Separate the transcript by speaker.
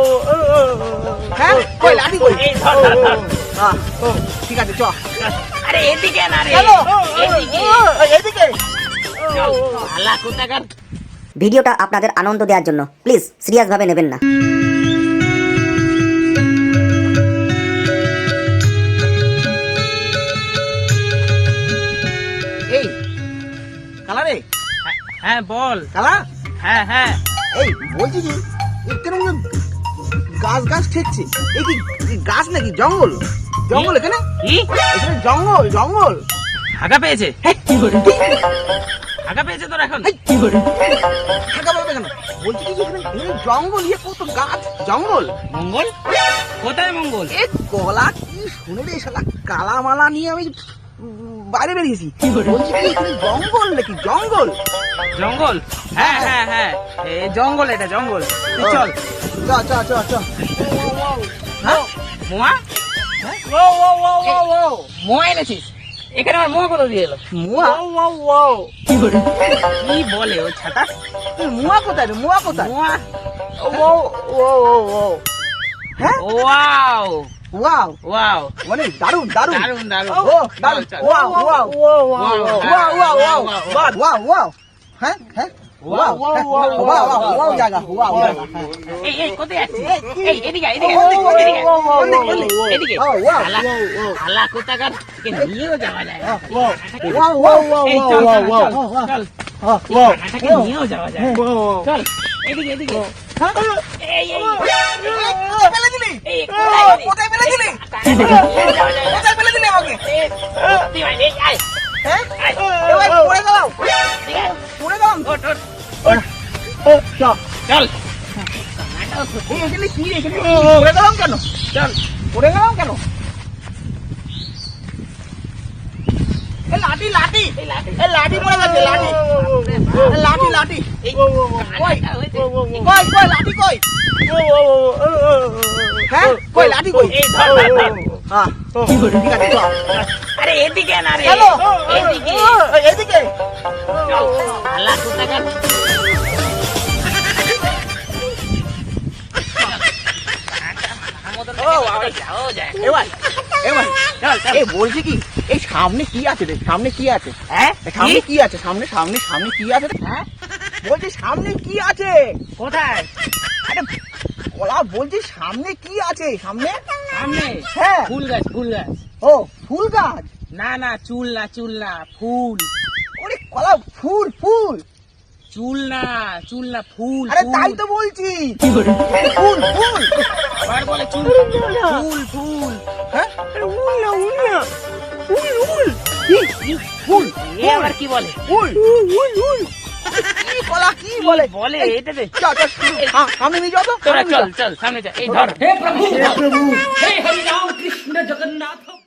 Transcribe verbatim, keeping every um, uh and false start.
Speaker 1: হ্যাঁ কই লাঠি কই?
Speaker 2: এই ধর ধর ধর।
Speaker 1: হ্যাঁ ঠিক আছে চ।
Speaker 2: আরে এদিকে না রে,
Speaker 1: চলো
Speaker 2: এদিকে
Speaker 1: এদিকে।
Speaker 2: চল। শালা কোথাকার।
Speaker 3: ভিডিওটা আপনাদের আনন্দ দেওয়ার জন্য প্লিজ সিরিয়াস ভাবে নেবেন না।
Speaker 1: এই কালা রে,
Speaker 2: হ্যাঁ বল।
Speaker 1: কালা
Speaker 2: হ্যাঁ হ্যাঁ
Speaker 1: এই বলছি কি এখানে মনে হয় গাছ গাছ ঠেকছে। এই কি এই গাছ নাকি জঙ্গল? জঙ্গল এখানে?
Speaker 2: কি
Speaker 1: এখানে জঙ্গল জঙ্গল।
Speaker 2: হাগা পেয়েছে? হাগা পেয়েছে তোর এখন?
Speaker 1: এই, থাকা বলবে কেন? বলছি কি যে এখানে এখানে জঙ্গল, ইয়ে কত গাছ জঙ্গল।
Speaker 2: মঙ্গল? কোথায় মঙ্গল?
Speaker 1: এ গলা কি শুনে রে শালা, কালা মালা নিয়ে আমি উম, বাইরে বেরিয়েছি। বলছি কি এখানে জঙ্গল নাকি জঙ্গল?
Speaker 2: জঙ্গল? হ্যাঁ হ্যাঁ হ্যাঁ এ জঙ্গল, এটা জঙ্গল। তুই চল।
Speaker 1: চ চ চ চ।
Speaker 2: হ্যাঁ মোয়া? মোয়া এনেছিস? এখানে আমার মোয়া কোথা দিয়ে এলো?
Speaker 1: মুয়া
Speaker 2: কি বলে ও ছাতা?
Speaker 1: মুয়া কোথায় রে? মুয়া কোথায়?
Speaker 2: মোয়া?
Speaker 1: হ্যাঁ
Speaker 2: ওয়াও
Speaker 1: ওয়াও
Speaker 2: ওয়াও
Speaker 1: মানে দারুন দারুন
Speaker 2: দারুন দারুন।
Speaker 1: ও দারুন
Speaker 2: চল, চল।
Speaker 1: Wow wow wow
Speaker 2: Wow,
Speaker 1: wow wow wow
Speaker 2: wow,
Speaker 1: wow wow হ্যাঁ হ্যাঁ ওয়াও ওয়াও ওয়াও ওয়াও জায়গা ওয়াও জায়গা হ্যাঁ।
Speaker 2: এই এই কোথায় যাচ্ছিস? এই এদিকে আয়, এদিকে
Speaker 1: ও,
Speaker 2: আয়,
Speaker 1: ও, ও,
Speaker 2: এদিকে আয়,
Speaker 1: ও, ও, ও,
Speaker 2: এদিকে, এদিকে।
Speaker 1: ও, wow,
Speaker 2: শালা,
Speaker 1: wow, wow.
Speaker 2: শালা কোথাকার, একে নিয়েও যাওয়া যায় না।
Speaker 1: ওয়াও ওয়াও ওয়াও
Speaker 2: এই চল, চল, চল, চল।
Speaker 1: ওয়াও
Speaker 2: এটাকে নিয়েও যাওয়া যায়। চল, এদিকে, এদিকে। এই, এই,
Speaker 1: ফেলে দিলি
Speaker 2: এই, কোথায় গেলি?
Speaker 1: কোথায় ফেলে দিলি?
Speaker 2: নিয়েও যাওয়া যায় না।
Speaker 1: কোথায় ফেলে দিলি আমাকে?
Speaker 2: এই, সত্যি ভাই, এই, আয়,
Speaker 1: হ্যাঁ
Speaker 2: আয়।
Speaker 1: এবার পড়ে গেলাম
Speaker 2: ঠিক আছে?
Speaker 1: পড়ে গেলাম
Speaker 2: ওঠ, ওঠ,
Speaker 1: চল
Speaker 2: চল।
Speaker 1: এই এখানে কি রে? এখানে পড়ে গেলাম কেন?
Speaker 2: চল,
Speaker 1: পড়ে গেলাম কেন? এ লাঠি লাঠি
Speaker 2: এই লাঠি।
Speaker 1: এ লাঠি পড়ে গেছে লাঠি এ লাঠি লাঠি
Speaker 2: এই,
Speaker 1: কই
Speaker 2: কানাটা হয়েছে।
Speaker 1: কই কই লাঠি কই? হ্যাঁ কই লাঠি কই?
Speaker 2: এই ধর, ধর, ধর।
Speaker 1: হ্যাঁ ঠিক আছে চল।
Speaker 2: আরে এদিকে না রে,
Speaker 1: চলো
Speaker 2: এদিকে।
Speaker 1: এদিকে
Speaker 2: চল, শালা কোথাকার।
Speaker 1: ও বাবা,
Speaker 2: যাও যায়।
Speaker 1: এবার এবার
Speaker 2: চল, চল।
Speaker 1: এই বলছি কি এই সামনে কি আছে রে? সামনে কি আছে?
Speaker 2: হ্যাঁ?
Speaker 1: এ সামনে
Speaker 2: কি?
Speaker 1: কি আছে? সামনে সামনে সামনে কি আছে রে?
Speaker 2: হ্যাঁ?
Speaker 1: বলছি সামনে কি আছে?
Speaker 2: কোথায়?
Speaker 1: আরে বলা বলছি সামনে কি আছে? সামনে
Speaker 2: সামনে?
Speaker 1: হ্যাঁ
Speaker 2: ফুল গাছ, ফুল গাছ।
Speaker 1: ও ফুল গাছ।
Speaker 2: না না, চুল না, চুল না, ফুল।
Speaker 1: ওরে কলা ফুল ফুল।
Speaker 2: চুল না, চুল না, ফুল।
Speaker 1: আরে
Speaker 2: ফুল।
Speaker 1: তাই তো বলছি ফুল ফুল।
Speaker 2: আবার বলে চুল। ফুল, ফুল।
Speaker 1: হ্যাঁ আরে উল না উল না উল উল কি কি? ফুল
Speaker 2: এ আবার কি বলে?
Speaker 1: উল উল উল কি কলা কি বলে?
Speaker 2: বলে
Speaker 1: এই,
Speaker 2: এটা দে।
Speaker 1: চল চল হ্যাঁ সামনে নিয়ে যাও তো
Speaker 2: তোরা
Speaker 1: সামনে নিয়ে
Speaker 2: চল,
Speaker 1: যাও।
Speaker 2: চল, সামনে যা। এই ধর।
Speaker 1: হে প্রভু হে প্রভু
Speaker 4: हे हरि राम कृष्ण जगन्नाथ